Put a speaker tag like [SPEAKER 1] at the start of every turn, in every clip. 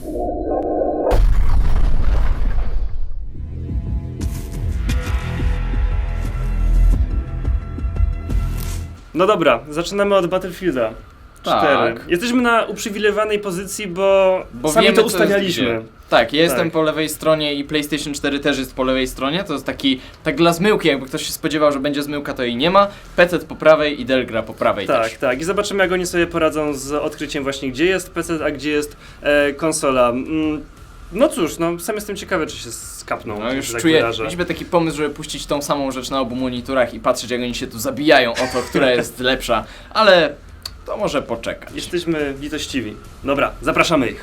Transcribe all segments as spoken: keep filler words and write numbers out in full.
[SPEAKER 1] No dobra, zaczynamy od Battlefielda cztery.
[SPEAKER 2] Tak.
[SPEAKER 1] Jesteśmy na uprzywilejowanej pozycji, bo,
[SPEAKER 2] Bo
[SPEAKER 1] sami
[SPEAKER 2] wiemy,
[SPEAKER 1] to
[SPEAKER 2] co jest
[SPEAKER 1] ustawialiśmy.
[SPEAKER 2] gdzie. Tak, ja jestem
[SPEAKER 1] Tak.
[SPEAKER 2] po lewej stronie i PlayStation cztery też jest po lewej stronie. To jest taki, tak dla zmyłki, jakby ktoś się spodziewał, że będzie zmyłka, to jej nie ma. P C po prawej i Dell gra po prawej
[SPEAKER 1] Tak,
[SPEAKER 2] też.
[SPEAKER 1] tak. I zobaczymy, jak oni sobie poradzą z odkryciem właśnie, gdzie jest P C, a gdzie jest e, konsola. Mm, no cóż, no sam jestem ciekawy, czy się skapną.
[SPEAKER 2] No już
[SPEAKER 1] że tak
[SPEAKER 2] czuję,
[SPEAKER 1] wyrażę.
[SPEAKER 2] mieliśmy taki pomysł, żeby puścić tą samą rzecz na obu monitorach i patrzeć, jak oni się tu zabijają o to, która jest lepsza, ale to może poczekać.
[SPEAKER 1] Jesteśmy litościwi. Dobra, zapraszamy ich.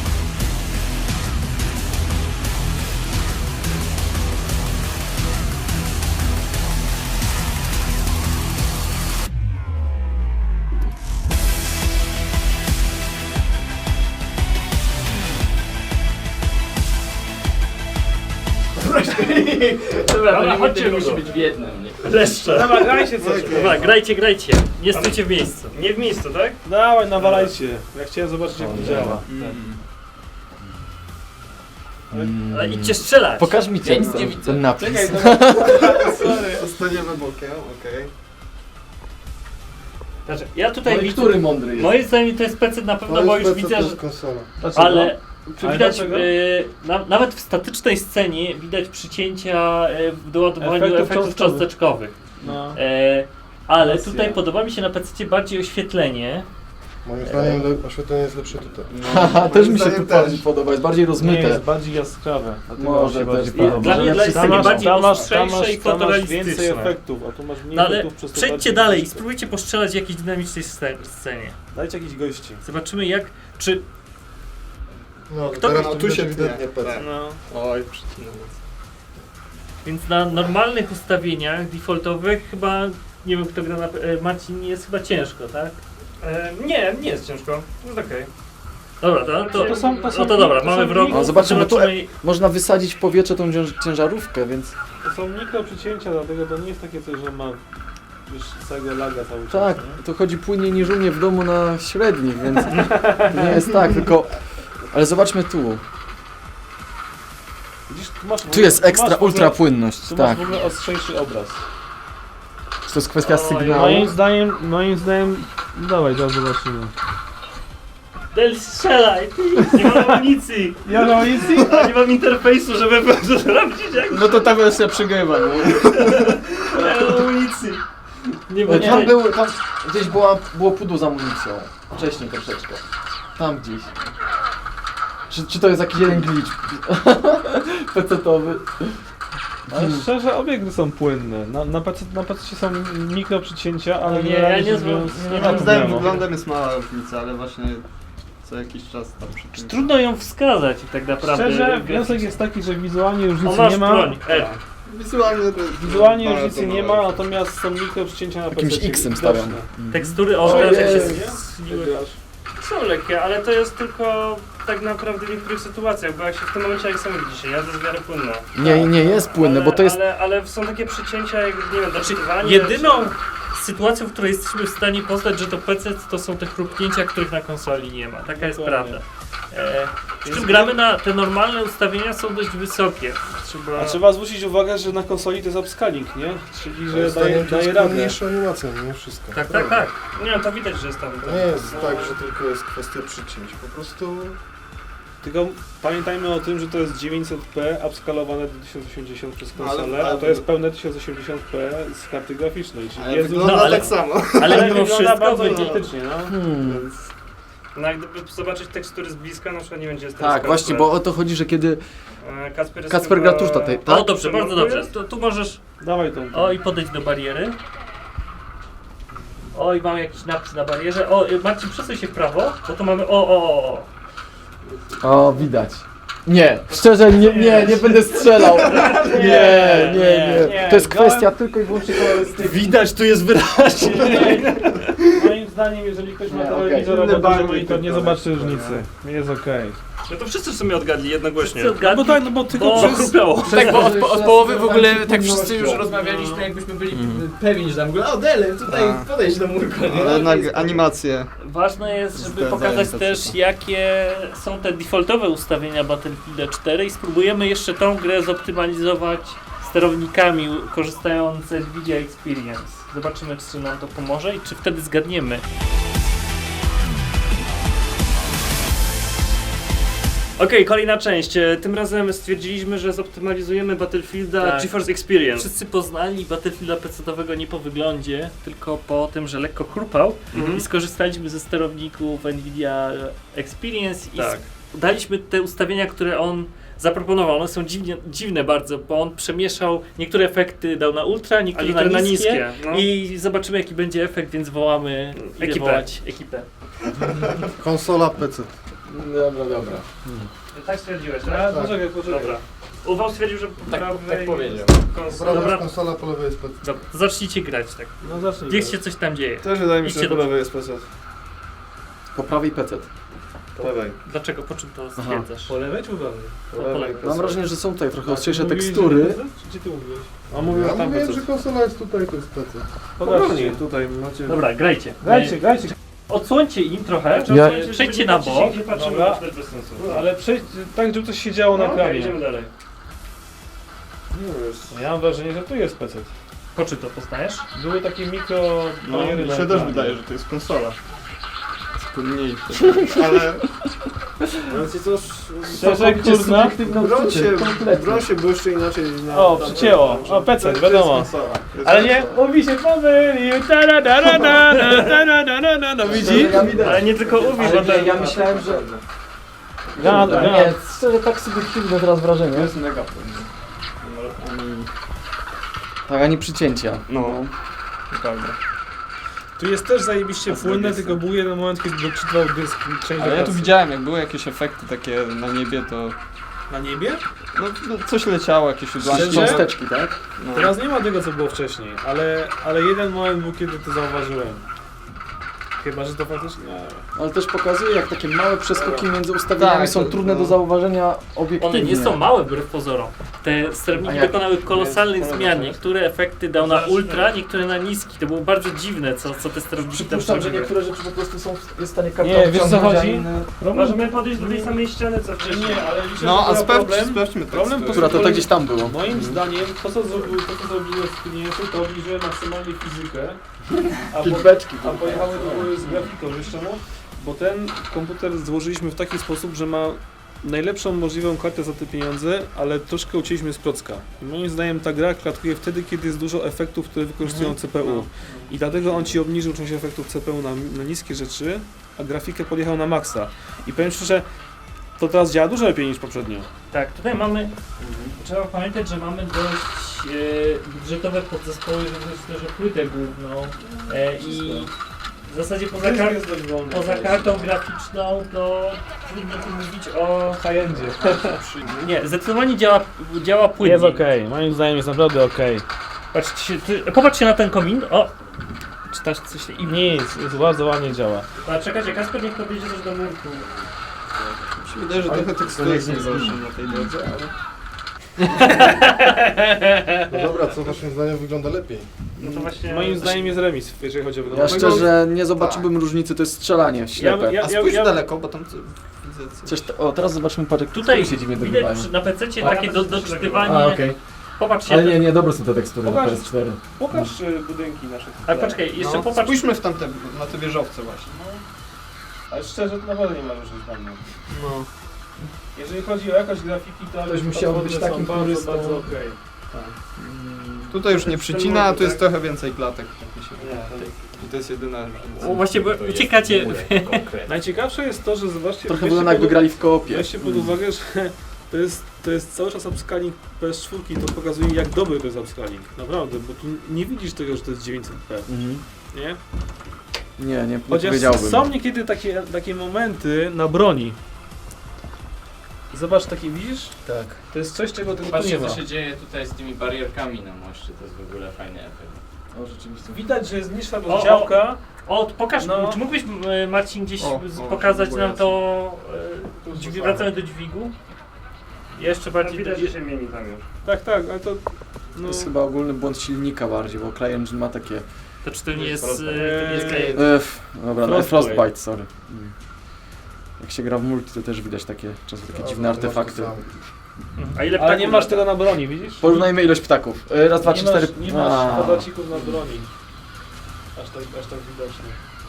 [SPEAKER 2] Dobra,
[SPEAKER 3] Dobra, chodźcie,
[SPEAKER 2] musi
[SPEAKER 3] Ludo.
[SPEAKER 2] być w jednym. Nie?
[SPEAKER 1] Leszcze.
[SPEAKER 3] Dobra, grajcie coś.
[SPEAKER 1] Dobra,
[SPEAKER 3] Grajcie, grajcie. Nie stójcie w miejscu.
[SPEAKER 1] Nie w miejscu, tak?
[SPEAKER 3] Dawaj, nawalajcie. Ja chciałem zobaczyć, jak to działa. Ale idźcie strzelać.
[SPEAKER 4] Pokaż mi
[SPEAKER 2] Ja nic
[SPEAKER 4] ten,
[SPEAKER 2] nie widzę.
[SPEAKER 4] ten napis.
[SPEAKER 3] Czekaj,
[SPEAKER 5] Sorry, zostaniemy bokiem, okej.
[SPEAKER 3] Znaczy, ja tutaj
[SPEAKER 4] No i
[SPEAKER 3] widzę,
[SPEAKER 4] który mądry jest?
[SPEAKER 3] moim zdaniem to jest P C na pewno, bo już widzę, że...
[SPEAKER 5] konsola.
[SPEAKER 3] Ale czy
[SPEAKER 4] Ale
[SPEAKER 3] widać,
[SPEAKER 4] dlaczego?
[SPEAKER 3] y, na, nawet w statycznej scenie widać przycięcia y, w doładowaniu
[SPEAKER 4] Efektów
[SPEAKER 3] efektów,
[SPEAKER 4] cząstkowych.
[SPEAKER 3] cząsteczkowych.
[SPEAKER 4] No.
[SPEAKER 3] E, ale
[SPEAKER 4] Racja.
[SPEAKER 3] tutaj podoba mi się na P C bardziej oświetlenie.
[SPEAKER 5] Moim zdaniem le- oświetlenie jest lepsze tutaj.
[SPEAKER 4] Haha, też mi się
[SPEAKER 5] zdaniem
[SPEAKER 4] tu
[SPEAKER 5] też.
[SPEAKER 4] bardziej podoba, jest bardziej rozmyte.
[SPEAKER 6] bardziej jaskrawe. A ty
[SPEAKER 4] Może
[SPEAKER 6] się
[SPEAKER 4] też
[SPEAKER 6] bardziej
[SPEAKER 4] podoba.
[SPEAKER 6] podoba.
[SPEAKER 3] Dla mnie dla jest
[SPEAKER 6] Tam
[SPEAKER 3] takie
[SPEAKER 6] masz-
[SPEAKER 3] bardziej
[SPEAKER 6] tam masz-
[SPEAKER 3] ostrzejsze
[SPEAKER 6] tam masz-
[SPEAKER 3] i
[SPEAKER 6] tam masz
[SPEAKER 3] fotorealistyczne.
[SPEAKER 6] więcej efektów, a tu masz mniej
[SPEAKER 3] No ale
[SPEAKER 6] efektów, przez to
[SPEAKER 3] przejdźcie
[SPEAKER 6] bardziej
[SPEAKER 3] dalej i
[SPEAKER 6] widoczne.
[SPEAKER 3] spróbujcie postrzelać w jakiejś dynamicznej sce- scenie.
[SPEAKER 6] Dajcie jakichś gości.
[SPEAKER 3] Zobaczymy jak, czy...
[SPEAKER 5] No,
[SPEAKER 3] Kto-
[SPEAKER 5] teraz
[SPEAKER 3] no,
[SPEAKER 5] tu się ewidentnie P C.
[SPEAKER 3] No,
[SPEAKER 5] Oj, przycinam.
[SPEAKER 3] więc na normalnych ustawieniach defaultowych chyba, nie wiem kto gra na... e, Marcin, jest chyba ciężko, tak?
[SPEAKER 1] E, nie, nie jest ciężko. Jest okej.
[SPEAKER 3] Dobra, to, to,
[SPEAKER 6] To są- to są-
[SPEAKER 3] no to dobra,
[SPEAKER 6] to
[SPEAKER 3] mamy
[SPEAKER 6] są-
[SPEAKER 3] wrogów,
[SPEAKER 4] No, zobaczymy, tu-
[SPEAKER 3] zobaczymy-
[SPEAKER 4] Można wysadzić w powietrze tą cięż- ciężarówkę, więc
[SPEAKER 6] To są mikro przycięcia, dlatego to nie jest takie coś, że ma już całego laga cały czas.
[SPEAKER 4] tak,
[SPEAKER 6] nie?
[SPEAKER 4] to chodzi płynniej niż u mnie w domu na średnich, więc nie jest tak, tylko... Ale zobaczmy tu.
[SPEAKER 6] Widzisz, tu, masz w
[SPEAKER 4] Tu
[SPEAKER 6] ogóle-
[SPEAKER 4] jest
[SPEAKER 6] tu
[SPEAKER 4] ekstra
[SPEAKER 6] masz w ogóle-
[SPEAKER 4] ultra płynność,
[SPEAKER 6] Tu
[SPEAKER 4] tak.
[SPEAKER 6] masz w ogóle ostrzejszy obraz.
[SPEAKER 4] Czy to jest kwestia
[SPEAKER 3] Oj,
[SPEAKER 4] sygnału?
[SPEAKER 6] Moim zdaniem, moim zdaniem... Dawaj, zaraz zobaczymy.
[SPEAKER 3] Del strzelaj, ty! Nie mam amunicji!
[SPEAKER 6] Ja na easy?
[SPEAKER 3] A nie mam interfejsu, żeby sprawdzić jak...
[SPEAKER 4] No to ta wersja przegrywa, nie?
[SPEAKER 3] Nie mam amunicji! Nie mam
[SPEAKER 4] Tam, był, tam gdzieś była, było pudło z amunicją. Wcześniej troszeczkę. Tam gdzieś. Czy, czy to jest jakiś jeden glitch? Pecetowy.
[SPEAKER 6] Ale szczerze, obie gry są płynne. Na, na, PC, na P C są mikro przycięcia, ale
[SPEAKER 3] Nie,
[SPEAKER 6] generalnie
[SPEAKER 3] ja nie
[SPEAKER 6] rzecz
[SPEAKER 3] zwa-
[SPEAKER 6] biorąc,
[SPEAKER 3] nie
[SPEAKER 6] nie
[SPEAKER 3] mam
[SPEAKER 6] ma
[SPEAKER 5] Moim zdaniem
[SPEAKER 6] problemu.
[SPEAKER 5] wyglądem jest mała różnica, ale właśnie co jakiś czas tam przy czymś.
[SPEAKER 3] Trudno ją wskazać tak naprawdę.
[SPEAKER 6] Szczerze, wniosek jest taki, że wizualnie
[SPEAKER 3] O,
[SPEAKER 6] różnicy
[SPEAKER 3] masz
[SPEAKER 6] nie ma.
[SPEAKER 3] broń, E.
[SPEAKER 5] Wizualnie to jest
[SPEAKER 6] Wizualnie
[SPEAKER 5] bardzo
[SPEAKER 6] różnicy nie
[SPEAKER 5] małe.
[SPEAKER 6] ma, natomiast są mikro przycięcia na P C.
[SPEAKER 4] Jakimś X-em stawiam.
[SPEAKER 3] Tekstury, o,
[SPEAKER 4] O,
[SPEAKER 3] teraz jak się
[SPEAKER 4] jest.
[SPEAKER 3] zniły.
[SPEAKER 1] Są lekkie, ale to jest tylko tak naprawdę w niektórych sytuacjach, bo jak się w tym momencie, jak sami widzicie, jazda jest w miarę płynna.
[SPEAKER 4] Nie, nie jest płynne,
[SPEAKER 1] ale,
[SPEAKER 4] bo to jest...
[SPEAKER 1] Ale, ale są takie przycięcia jak, nie wiem, doczytywanie.
[SPEAKER 3] Jedyną sytuacją, w której jesteśmy w stanie poznać, że to P C to są te chrupnięcia, których na konsoli nie ma. Taka jest
[SPEAKER 6] Dokładnie.
[SPEAKER 3] prawda. E, przy czym gramy na te normalne ustawienia są dość wysokie. Trzeba...
[SPEAKER 6] A trzeba zwrócić uwagę, że na konsoli to jest upscaling, nie? Czyli,
[SPEAKER 5] Moim
[SPEAKER 6] że daje,
[SPEAKER 5] zdaniem to
[SPEAKER 6] daje
[SPEAKER 5] jest
[SPEAKER 6] radę.
[SPEAKER 5] pełniejsza animacja, nie wszystko.
[SPEAKER 3] Tak, tak, tak.
[SPEAKER 1] Nie, to widać, że jest tam.
[SPEAKER 5] To nie jest tak, że tylko jest kwestia przycięć. Po prostu
[SPEAKER 6] Tylko pamiętajmy o tym, że to jest dziewięćset p upskalowane do tysiąc osiemdziesiąt przez konsolę,
[SPEAKER 5] Ale- ale-
[SPEAKER 6] a to jest pełne tysiąc osiemdziesiąt p z karty graficznej, czyli
[SPEAKER 5] ale
[SPEAKER 6] jest
[SPEAKER 5] wygląda
[SPEAKER 3] no, ale-
[SPEAKER 5] tak samo.
[SPEAKER 3] Ale
[SPEAKER 6] ale
[SPEAKER 3] mimo
[SPEAKER 6] wygląda
[SPEAKER 3] wszystko
[SPEAKER 6] bardzo
[SPEAKER 3] będzie...
[SPEAKER 6] identycznie, no.
[SPEAKER 4] Hmm.
[SPEAKER 5] Więc
[SPEAKER 1] No jak gdyby zobaczyć tekstury z bliska, na przykład nie będzie jest
[SPEAKER 4] Tak, właśnie, bo o to chodzi, że kiedy...
[SPEAKER 1] E, Kacper, jest
[SPEAKER 4] Kacper
[SPEAKER 1] chyba-
[SPEAKER 4] gra tuż tutaj,
[SPEAKER 3] O,
[SPEAKER 4] tak?
[SPEAKER 3] dobrze, bardzo dobrze. To, tu możesz...
[SPEAKER 6] Dawaj tą.
[SPEAKER 3] O, i podejdź do bariery. O, i mamy jakiś napis na barierze. O, y, Marcin, przesuń się w prawo, bo tu mamy... O, o, o, o.
[SPEAKER 4] O, widać. Nie, szczerze nie, nie, nie będę strzelał. Nie, nie, nie.
[SPEAKER 6] nie.
[SPEAKER 4] To jest kwestia tylko i wyłącznie kolorystyki.
[SPEAKER 1] Widać, tu jest wyraźnie.
[SPEAKER 6] Moim zdaniem, jeżeli ktoś ma
[SPEAKER 4] Nie,
[SPEAKER 6] telewizor
[SPEAKER 5] okej.
[SPEAKER 6] albo
[SPEAKER 5] Inne
[SPEAKER 6] duży
[SPEAKER 5] barwy
[SPEAKER 6] monitor, nie
[SPEAKER 5] tylko
[SPEAKER 6] zobaczy
[SPEAKER 5] lekko,
[SPEAKER 6] różnicy. Jest okej.
[SPEAKER 1] No to wszyscy w sumie odgadli jednogłośnie.
[SPEAKER 3] Wszyscy
[SPEAKER 6] No bo tak, no bo tylko
[SPEAKER 3] Bo
[SPEAKER 6] przez...
[SPEAKER 1] chrupiało.
[SPEAKER 2] Tak, bo od, po- od połowy w ogóle
[SPEAKER 4] Przez-
[SPEAKER 2] tak wszyscy już
[SPEAKER 4] przez-
[SPEAKER 2] rozmawialiśmy, jakbyśmy byli pewni, że tam w ogóle, o Dele, tutaj
[SPEAKER 5] Tak.
[SPEAKER 2] podejdź do murka, nie?
[SPEAKER 5] Ale jednak animacje.
[SPEAKER 3] Ważne jest, żeby
[SPEAKER 5] Zdarzałem
[SPEAKER 3] pokazać
[SPEAKER 5] to
[SPEAKER 3] też,
[SPEAKER 5] wszystko.
[SPEAKER 3] jakie są te defaultowe ustawienia Battlefielda cztery i spróbujemy jeszcze tą grę zoptymalizować sterownikami korzystając z Nvidia Experience. Zobaczymy, czy nam to pomoże i czy wtedy zgadniemy.
[SPEAKER 1] Okej, kolejna część. E, Tym razem stwierdziliśmy, że zoptymalizujemy Battlefielda
[SPEAKER 3] Tak.
[SPEAKER 1] GeForce Experience.
[SPEAKER 3] Wszyscy poznali Battlefielda pecetowego nie po wyglądzie, tylko po tym, że lekko chrupał
[SPEAKER 1] Mhm.
[SPEAKER 3] i skorzystaliśmy ze sterowników Nvidia Experience i
[SPEAKER 1] Tak.
[SPEAKER 3] daliśmy te ustawienia, które on zaproponował. One są dziwnie, dziwne bardzo, bo on przemieszał niektóre efekty, dał na ultra,
[SPEAKER 1] A
[SPEAKER 3] niektóre,
[SPEAKER 1] niektóre
[SPEAKER 3] na
[SPEAKER 1] na
[SPEAKER 3] niskie.
[SPEAKER 1] niskie. No.
[SPEAKER 3] I zobaczymy, jaki będzie efekt, więc wołamy idę
[SPEAKER 1] Ekipę.
[SPEAKER 3] wołać ekipę.
[SPEAKER 5] Konsola P C.
[SPEAKER 4] Dobra, dobra.
[SPEAKER 1] Tak stwierdziłeś,
[SPEAKER 6] A,
[SPEAKER 1] tak?
[SPEAKER 6] poczekaj, poczekaj.
[SPEAKER 1] Dobra. Uwał stwierdził, że po
[SPEAKER 2] Tak-
[SPEAKER 1] prawej
[SPEAKER 2] tak powiedział.
[SPEAKER 1] konsola.
[SPEAKER 5] Dobra,
[SPEAKER 1] Dobra,
[SPEAKER 5] konsola po lewej jest P C.
[SPEAKER 3] Dobra, zacznijcie grać tak.
[SPEAKER 6] No zacznij.
[SPEAKER 3] Niech się coś tam dzieje.
[SPEAKER 6] Też wydaje mi się,
[SPEAKER 3] Idźcie
[SPEAKER 6] że po
[SPEAKER 3] do-
[SPEAKER 6] lewej jest P C.
[SPEAKER 4] Po prawej P C.
[SPEAKER 6] Po lewej.
[SPEAKER 3] Dlaczego, po czym to stwierdzasz?
[SPEAKER 6] Po lewej czy po prawej?
[SPEAKER 3] Po lewej.
[SPEAKER 4] Mam wrażenie, że są tutaj trochę
[SPEAKER 6] A
[SPEAKER 4] ostrzejsze
[SPEAKER 6] ty mówiłeś,
[SPEAKER 4] tekstury.
[SPEAKER 6] że P C? Czy ty mówiłeś? A mówił
[SPEAKER 5] Ja
[SPEAKER 6] tam
[SPEAKER 5] mówiłem,
[SPEAKER 6] P C.
[SPEAKER 5] że konsola jest tutaj, to jest P C.
[SPEAKER 6] Pokażcie, tutaj macie...
[SPEAKER 3] Dobra, grajcie.
[SPEAKER 6] Grajcie, grajcie.
[SPEAKER 3] Odsłońcie im trochę,
[SPEAKER 4] Ja-
[SPEAKER 3] przejdźcie na bok.
[SPEAKER 1] Nie patrzymy,
[SPEAKER 6] Dobra.
[SPEAKER 1] to jest bez sensu.
[SPEAKER 6] Ale przejdź tak, żeby coś się działo
[SPEAKER 1] No,
[SPEAKER 6] na
[SPEAKER 1] okej,
[SPEAKER 6] ekranie.
[SPEAKER 1] idziemy dalej.
[SPEAKER 6] Ja mam wrażenie, że tu jest P C.
[SPEAKER 3] Po czym to poznajesz?
[SPEAKER 6] Były takie mikro
[SPEAKER 5] No,
[SPEAKER 6] bariery
[SPEAKER 5] mi
[SPEAKER 6] na
[SPEAKER 5] się też
[SPEAKER 6] ekranie.
[SPEAKER 5] wydaje, że to jest konsola. Spójniejsze. Ale
[SPEAKER 6] Więc jest to szczerze, kurna.
[SPEAKER 5] broń się, broń się błyszczy inaczej na...
[SPEAKER 6] O,
[SPEAKER 5] na-
[SPEAKER 6] przycięło.
[SPEAKER 5] na-
[SPEAKER 6] O, P C,
[SPEAKER 5] to jest
[SPEAKER 6] wiadomo.
[SPEAKER 5] konsola. Jest
[SPEAKER 6] Ale nie,
[SPEAKER 5] konsola.
[SPEAKER 6] mówi się pomylił. Ta da da da da da da da da da. No widzi?
[SPEAKER 4] Ja widać.
[SPEAKER 1] Ale nie tylko Uwi,
[SPEAKER 4] Ale
[SPEAKER 1] bo
[SPEAKER 4] nie,
[SPEAKER 1] ten...
[SPEAKER 4] ja myślałem, że...
[SPEAKER 6] Ja,
[SPEAKER 4] Kurde,
[SPEAKER 6] ja.
[SPEAKER 4] nie, szczerze tak subiektywne teraz wrażenie.
[SPEAKER 5] To jest mega płynne.
[SPEAKER 4] Tak, ani przycięcia.
[SPEAKER 5] No, prawda.
[SPEAKER 6] Tu jest też zajebiście płynne, tylko był jeden moment, kiedy doczytał dysk część
[SPEAKER 5] Ale ja tu
[SPEAKER 6] lokacji.
[SPEAKER 5] widziałem, jak były jakieś efekty takie na niebie, to
[SPEAKER 6] Na niebie?
[SPEAKER 5] no, no coś leciało, jakieś odłamki.
[SPEAKER 6] Szczerze?
[SPEAKER 4] Cząsteczki, tak?
[SPEAKER 5] No.
[SPEAKER 6] Teraz nie ma tego, co było wcześniej, ale, ale jeden moment był, kiedy to zauważyłem. Chyba, że to faktycznie... Nie.
[SPEAKER 4] Ale też pokazuje, jak takie małe przeskoki między ustawieniami
[SPEAKER 5] Tak,
[SPEAKER 4] są
[SPEAKER 5] to-
[SPEAKER 4] trudne
[SPEAKER 5] no.
[SPEAKER 4] do zauważenia obiektywnie.
[SPEAKER 3] One nie są małe wbrew pozorom. Te sterowniki
[SPEAKER 4] A jak?
[SPEAKER 3] dokonały kolosalnych
[SPEAKER 1] Jest-
[SPEAKER 3] zmian. Niektóre efekty dał na ultra, niektóre na niski. To było bardzo dziwne, co, co te sterowniki tam
[SPEAKER 4] Przypuszczam, że
[SPEAKER 3] zrobiły.
[SPEAKER 4] niektóre rzeczy po prostu są w jest w stanie kartą
[SPEAKER 6] Nie, wiesz, co
[SPEAKER 4] wciągnąć, a
[SPEAKER 6] chodzi?
[SPEAKER 4] inne-
[SPEAKER 1] Możemy podejść do tej samej ściany, co wcześniej.
[SPEAKER 6] Nie, ale liczę,
[SPEAKER 5] No,
[SPEAKER 6] że
[SPEAKER 5] a
[SPEAKER 6] był
[SPEAKER 5] sprawdź,
[SPEAKER 6] problem.
[SPEAKER 5] sprawdźmy
[SPEAKER 6] Problem
[SPEAKER 5] teksty.
[SPEAKER 4] Która to tak gdzieś tam było.
[SPEAKER 6] Moim zdaniem to, co zrobił, to, co zrobiło Experience, to obniżyły maksymalnie fizykę, a, po,
[SPEAKER 4] Feedbaczki.
[SPEAKER 6] a pojechały do góry z grafiką. Wiesz czemu? Bo ten komputer złożyliśmy w taki sposób, że ma najlepszą możliwą kartę za te pieniądze, ale troszkę ucięliśmy z procka. Moim zdaniem ta gra klatkuje wtedy, kiedy jest dużo efektów, które wykorzystują C P U. I dlatego on ci obniżył część efektów C P U na, na niskie rzeczy, a grafikę podjechał na maksa. I powiem szczerze, to teraz działa dużo lepiej niż poprzednio.
[SPEAKER 3] Tak, tutaj mamy, trzeba pamiętać, że mamy dość e, budżetowe podzespoły, że że płytę główną e, i w zasadzie poza, kar
[SPEAKER 6] jest dość wolny.
[SPEAKER 3] poza kartą graficzną to trudno tu mówić o...
[SPEAKER 6] high-endzie.
[SPEAKER 3] Nie, zdecydowanie działa, działa płynnie.
[SPEAKER 6] Jest okej, moim zdaniem jest naprawdę okej.
[SPEAKER 3] Patrzcie, ty, popatrzcie na ten komin. O! Czytasz coś i nie.
[SPEAKER 6] Nic, jest bardzo ładnie działa.
[SPEAKER 3] A czekajcie, Kasper niech podejdzie też do murku.
[SPEAKER 5] Mi się wydaje, że trochę tekstury jest najgorsze na tej drodze, ale... No dobra, co waszym zdaniem wygląda lepiej?
[SPEAKER 1] No to właśnie...
[SPEAKER 6] Moim zdaniem jest remis, jeżeli chodzi o
[SPEAKER 4] Ja
[SPEAKER 6] wygląd.
[SPEAKER 4] szczerze nie zobaczyłbym różnicy, to jest strzelanie ślepe.
[SPEAKER 6] ja-
[SPEAKER 5] A spójrz daleko, bo tam co- widzę coś.
[SPEAKER 4] Coś t- o, teraz zobaczmy parę
[SPEAKER 3] Tutaj
[SPEAKER 4] się dziwnie
[SPEAKER 3] widać
[SPEAKER 4] dobywają.
[SPEAKER 3] przy, na pececie
[SPEAKER 6] A,
[SPEAKER 3] takie do, doczytywanie.
[SPEAKER 4] A, okej.
[SPEAKER 3] Popatrzcie.
[SPEAKER 4] Ale nie, nie, dobre są te tekstury na
[SPEAKER 6] Pokaż.
[SPEAKER 4] P S cztery.
[SPEAKER 6] Pokaż y, budynki nasze.
[SPEAKER 3] Ale poczekaj, jeszcze
[SPEAKER 5] No,
[SPEAKER 3] popatrz.
[SPEAKER 5] spójrzmy w tamte, na te wieżowce właśnie.
[SPEAKER 6] Ale szczerze, to naprawdę nie ma różnic dla mnie.
[SPEAKER 4] No.
[SPEAKER 6] Jeżeli chodzi o jakość grafiki, to
[SPEAKER 4] Ktoś musiał być
[SPEAKER 6] podwodne są
[SPEAKER 4] takim
[SPEAKER 6] bardzo,
[SPEAKER 4] purystą.
[SPEAKER 6] bardzo okej.
[SPEAKER 5] Tutaj już nie przycina, a tu jest
[SPEAKER 6] tak?
[SPEAKER 5] trochę więcej klatek. Tak mi się wydaje. I to jest jedyna
[SPEAKER 3] O,
[SPEAKER 5] różnica.
[SPEAKER 3] właśnie, bo uciekacie.
[SPEAKER 6] Najciekawsze jest to, że zobaczcie,
[SPEAKER 4] Trochę
[SPEAKER 6] weźcie
[SPEAKER 4] wygląda jakby
[SPEAKER 6] pod-
[SPEAKER 4] grali w koopie.
[SPEAKER 6] Weźcie pod uwagę, że to jest, to jest cały czas upscaling P S cztery, to pokazuje jak dobry to jest upscaling. Naprawdę, bo tu nie widzisz tego, że to jest dziewięćset p,
[SPEAKER 4] Mhm.
[SPEAKER 6] nie?
[SPEAKER 4] Nie, nie, nie
[SPEAKER 6] Chociaż
[SPEAKER 4] powiedziałbym.
[SPEAKER 6] są niekiedy takie, takie momenty na broni. Zobacz, takie widzisz?
[SPEAKER 4] Tak.
[SPEAKER 6] To jest coś, czego tego tu nie
[SPEAKER 2] Patrzcie,
[SPEAKER 6] ma.
[SPEAKER 2] co się dzieje tutaj z tymi barierkami na moście, to jest w ogóle fajny efekt.
[SPEAKER 4] O, rzeczywiście.
[SPEAKER 6] Widać, że jest niższa
[SPEAKER 3] o.
[SPEAKER 6] rozdziałka.
[SPEAKER 3] O, pokaż,
[SPEAKER 6] No.
[SPEAKER 3] czy mógłbyś e, Marcin gdzieś
[SPEAKER 5] O,
[SPEAKER 3] z-
[SPEAKER 5] o,
[SPEAKER 3] pokazać
[SPEAKER 5] próbuję
[SPEAKER 3] nam to, e, dźwig, wracamy do dźwigu? Jeszcze
[SPEAKER 1] Tam
[SPEAKER 3] bardziej
[SPEAKER 1] widać,
[SPEAKER 3] do,
[SPEAKER 1] że się mieni tam już.
[SPEAKER 6] Tak, tak, ale to... No,
[SPEAKER 4] To jest chyba ogólny błąd silnika bardziej, bo CryEngine ma takie...
[SPEAKER 3] to czy to nie jest,
[SPEAKER 1] Frostbite.
[SPEAKER 3] e, to nie jest
[SPEAKER 6] Eee.
[SPEAKER 3] klejeń?
[SPEAKER 4] Ef, dobra, no,
[SPEAKER 6] Frostbite.
[SPEAKER 4] Frostbite, sorry. Mm. Jak się gra w multi, to też widać takie, czasem takie dziwne artefakty.
[SPEAKER 3] A ile
[SPEAKER 6] ale
[SPEAKER 3] ptaków
[SPEAKER 6] nie masz
[SPEAKER 3] lata?
[SPEAKER 6] tego na broni, widzisz?
[SPEAKER 4] Porównajmy ilość ptaków. E, Raz, dwa,
[SPEAKER 6] nie
[SPEAKER 4] trzy,
[SPEAKER 6] masz,
[SPEAKER 4] cztery...
[SPEAKER 6] nie masz
[SPEAKER 4] A.
[SPEAKER 6] kwadracików na broni. Aż tak, aż tak widocznie.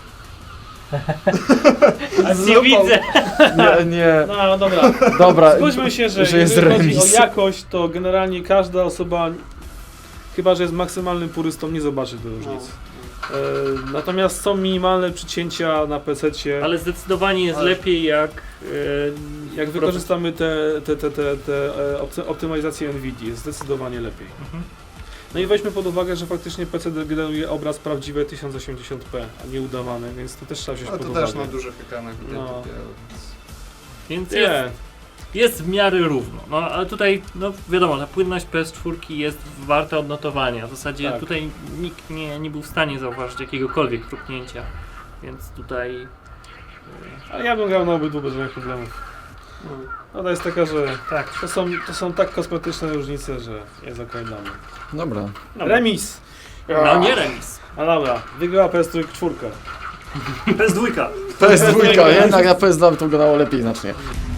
[SPEAKER 3] A nie widzę!
[SPEAKER 4] Nie, nie.
[SPEAKER 6] No dobra.
[SPEAKER 4] Dobra,
[SPEAKER 6] Zgódźmy się, że,
[SPEAKER 4] że jest
[SPEAKER 6] jeżeli chodzi
[SPEAKER 4] remis.
[SPEAKER 6] o jakość, to generalnie każda osoba, chyba że jest maksymalnym purystą, nie zobaczy tej różnicy. E, natomiast są minimalne przycięcia na pececie.
[SPEAKER 3] Ale zdecydowanie jest
[SPEAKER 6] Ale-
[SPEAKER 3] lepiej jak... E,
[SPEAKER 6] Jak wykorzystamy te, te, te, te, te e, opty- optymalizację NVIDIA, jest zdecydowanie lepiej.
[SPEAKER 3] Mhm.
[SPEAKER 6] No i weźmy pod uwagę, że faktycznie P C generuje obraz prawdziwy tysiąc osiemdziesiąt p, a nie udawany, więc to też trzeba wziąć
[SPEAKER 5] Ale
[SPEAKER 6] pod
[SPEAKER 5] to
[SPEAKER 6] uwagę.
[SPEAKER 5] też na dużych ekranach widać
[SPEAKER 6] No.
[SPEAKER 5] dopiero, więc...
[SPEAKER 3] Więc jest,
[SPEAKER 6] Nie,
[SPEAKER 3] jest w miarę równo. No ale tutaj, no wiadomo, ta płynność P S cztery jest warta odnotowania. W zasadzie
[SPEAKER 6] Tak.
[SPEAKER 3] tutaj nikt nie, nie był w stanie zauważyć jakiegokolwiek chrupnięcia. Więc tutaj...
[SPEAKER 6] ale ja bym grał na obydwu bez żadnych problemów. Ona jest taka, że
[SPEAKER 3] Tak.
[SPEAKER 6] to są, to są tak kosmetyczne różnice, że jest okej dla mnie.
[SPEAKER 4] Dobra.
[SPEAKER 3] Dobra.
[SPEAKER 6] Remis!
[SPEAKER 3] No nie remis.
[SPEAKER 6] A dobra, wygrała P S cztery.
[SPEAKER 1] P S dwa.
[SPEAKER 4] P S dwa, jednak na P S dwa to wyglądało lepiej znacznie.